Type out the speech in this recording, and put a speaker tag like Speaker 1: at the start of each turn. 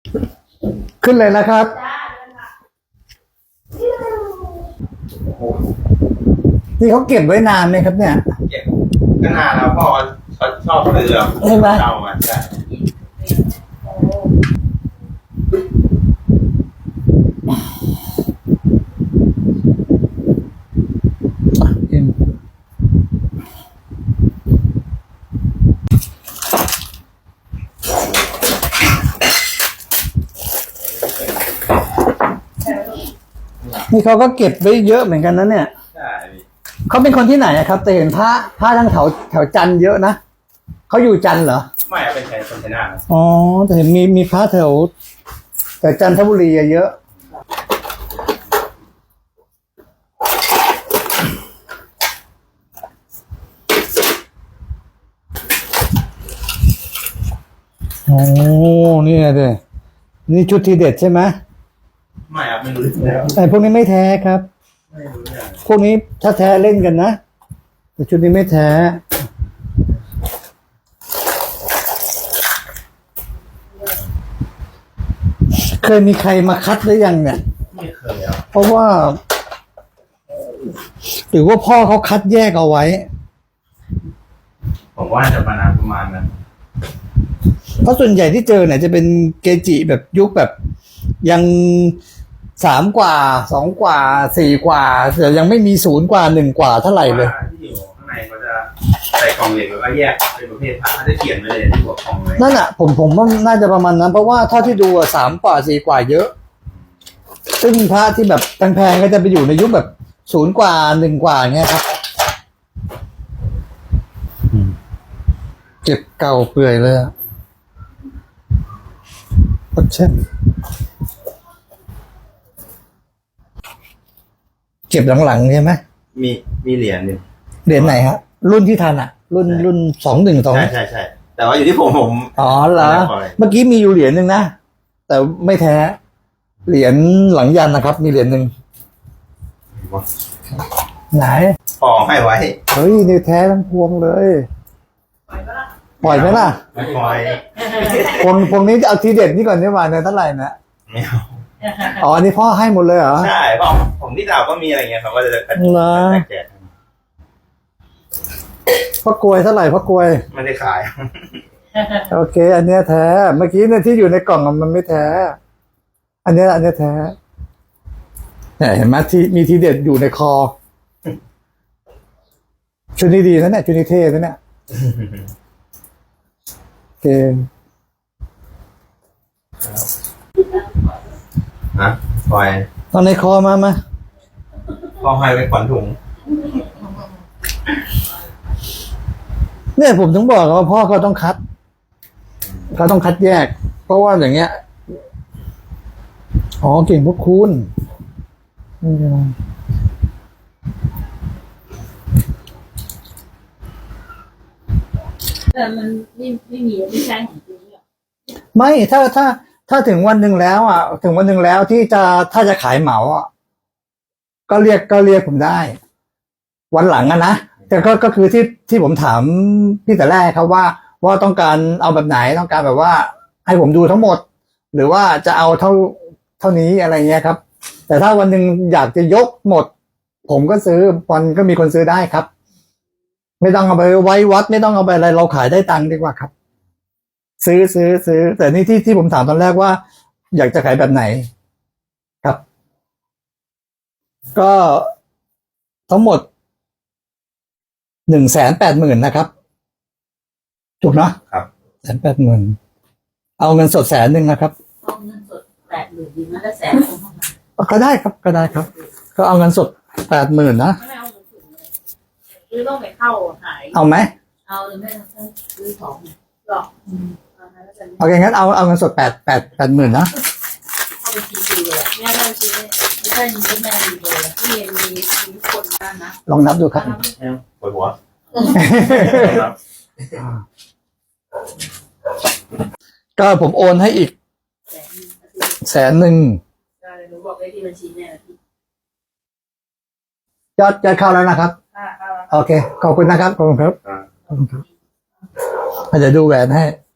Speaker 1: ขึ้นเลยนะครับนี่เขาเก็บไว้นานไหมครับเนี่ย
Speaker 2: เก็บก็นานแล้วพ่อเขาชอบซื้อ
Speaker 1: ใช่ไหม
Speaker 2: เช่ามาใช่
Speaker 1: นี่เขาก็เก็บไว้เยอะเหมือนกันนะเนี่ย
Speaker 2: ใช่
Speaker 1: เขาเป็นคนที่ไหนครับแต่เห็นพระทั้งแถวจันทร์เยอะนะเขาอยู่จันทร์เหรอ
Speaker 2: ไม่เป็นคนชัยนาท
Speaker 1: อ๋อแต่เห็นมีพระแถวแต่จันทบุรีเยอะโอ้นี่ไงเด้นี่ชุดทีเด็ดใช่ไหม
Speaker 2: ไม่ครับไม่รู้แล้ว
Speaker 1: แต่พวกนี้ไม่แท้ครับ
Speaker 2: ไม่รู้อย่าง
Speaker 1: พวกนี้ถ้าแท้เล่นกันนะแต่ชุดนี้ไม่แท้เคยมีใครมาคัดหรือยังเนี่ย
Speaker 2: ไม่เคยแล้ว
Speaker 1: เพราะว่าหรือว่าพ่อเขาคัดแยกเอาไว้
Speaker 2: ผมว่าจะประมาณนั้น
Speaker 1: เพราะส่วนใหญ่ที่เจอเนี่ยจะเป็นเกจิแบบยุคแบบยัง3 กว่า2 กว่า4 กว่าแต่ยังไม่มี0 กว่า1 กว่าเท่าไหร่เลย
Speaker 2: ที่อยู่ข้างในเขาจะใส่กล่องเหล็กแล้วก็แยกเป็นประเภทพระเขาจะเขียนไว้เลยที่หัวกล่องเลย
Speaker 1: นั่นอ่ะผมว่าน่าจะประมาณนั้นเพราะว่าเท่าที่ดู3 กว่า4 กว่าเยอะซึ่งพระที่แบบแพงๆก็จะไปอยู่ในยุคแบบ0 กว่า1 กว่าเงี้ยครับเก็บเก่าเปื่อยเลยอะเช่นเก็บหลังๆใช่ไหม
Speaker 2: มีเหรียญ
Speaker 1: เหรียญไหนฮะรุ่นที่ทันอ่ะรุ่น212
Speaker 2: ใช่แต่ว่าอยู่ที่ผม
Speaker 1: อ๋อเหรอเมื่อกี้มีอยู่เหรียญหนึ่งนะแต่ไม่แท้เหรียญหลังยันนะครับมีเหรียญหนึ่งไหน
Speaker 2: พอให้ไว้
Speaker 1: เฮ้ยนี่แท้ทั้งพวงเลยปล่อยไหมล่ะ
Speaker 2: ไม่ปล่อย
Speaker 1: พวงนี้จะเอาทีเด็ดนี่ก่อนนี่หว่าเนี่ยเท่าไหร่นะ
Speaker 2: ไม่เอา
Speaker 1: อ๋ออันนี้พ่อให้หมดเลยเหรอ
Speaker 2: ใช่พ่อผมที่ดาวก็มีอะไรเงี้ยเขาก็จะแจก
Speaker 1: พ่อกลวยเท่าไหร่พ่อกลวย
Speaker 2: ไม่ได้ขาย
Speaker 1: โอเคอันเนี้ยแท้เมื่อกี้เนี่ยที่อยู่ในกล่องมันไม่แท้อันเนี้ยแท้เนี่ยเห็นไหมที่มีทีเด็ดอยู่ในคอชุดนี้ดีนะเนี่ยชุดนี้เท่นะเนี่ยโอเค
Speaker 2: ฮะปล่อย
Speaker 1: ตอนในคอมา
Speaker 2: พ่อให้ไว้ขวัญถุง
Speaker 1: เนี่ยผมถึงบอกว่าพ่อเขาต้องคัดแยกเพราะว่าอย่างเงี้ยอ๋อเก่งพวกคุณ
Speaker 3: แต่มันไม่มีไม่ใช่ของจริงหรอ
Speaker 1: ไม่ถ้าถึงวันหนึ่งแล้วอ่ะถึงวันหนึ่งแล้วที่ถ้าจะขายเหมาอ่ะก็เรียกผมได้วันหลังอะนะแต่ก็คือที่ผมถามพี่แต่แรกครับว่าต้องการเอาแบบไหนต้องการแบบว่าให้ผมดูทั้งหมดหรือว่าจะเอาเท่านี้อะไรเงี้ยครับแต่ถ้าวันหนึ่งอยากจะยกหมดผมก็ซื้อวันก็มีคนซื้อได้ครับไม่ต้องเอาไปไว้วัดไม่ต้องเอาไปอะไรเราขายได้ตังค์ดีกว่าครับซื้อแต่นี่ที่ผมถามตอนแรกว่าอยากจะขายแบบไหนครับก็ทั้งหมด180,000นะครับถูกเนาะ
Speaker 2: ครับ
Speaker 1: 180,000เอาเงินสด100,000นะครับ
Speaker 3: เอาเงินสด80,000ดีนะแล้วแสน
Speaker 1: ก็ได้ครับก็เอาเงินสด80,000นะ
Speaker 3: ไม่เอาเงินสดเลยหรือต้องไปเข้าขาย
Speaker 1: เอาไหม
Speaker 3: เอาหรือไม่ต้องซื้อของหรอก
Speaker 1: โอเคงั้นเอาเงินสด80,000นะ
Speaker 3: เอาไปทีเลยแม่ได้ทีไม่ใช่มีแม่ดีเลยที่มีคนบ้านนะ
Speaker 1: ลองนับดูครับ
Speaker 2: ปวดหัว
Speaker 1: ก็ผมโอนให้อีก100,000
Speaker 3: หนูบอกได้ที่บัญชีแม่
Speaker 1: ยอดเข้าแล้วนะครับโอเคขอบคุณนะครับขอบคุณครับเดี๋ยวดูแหวนให้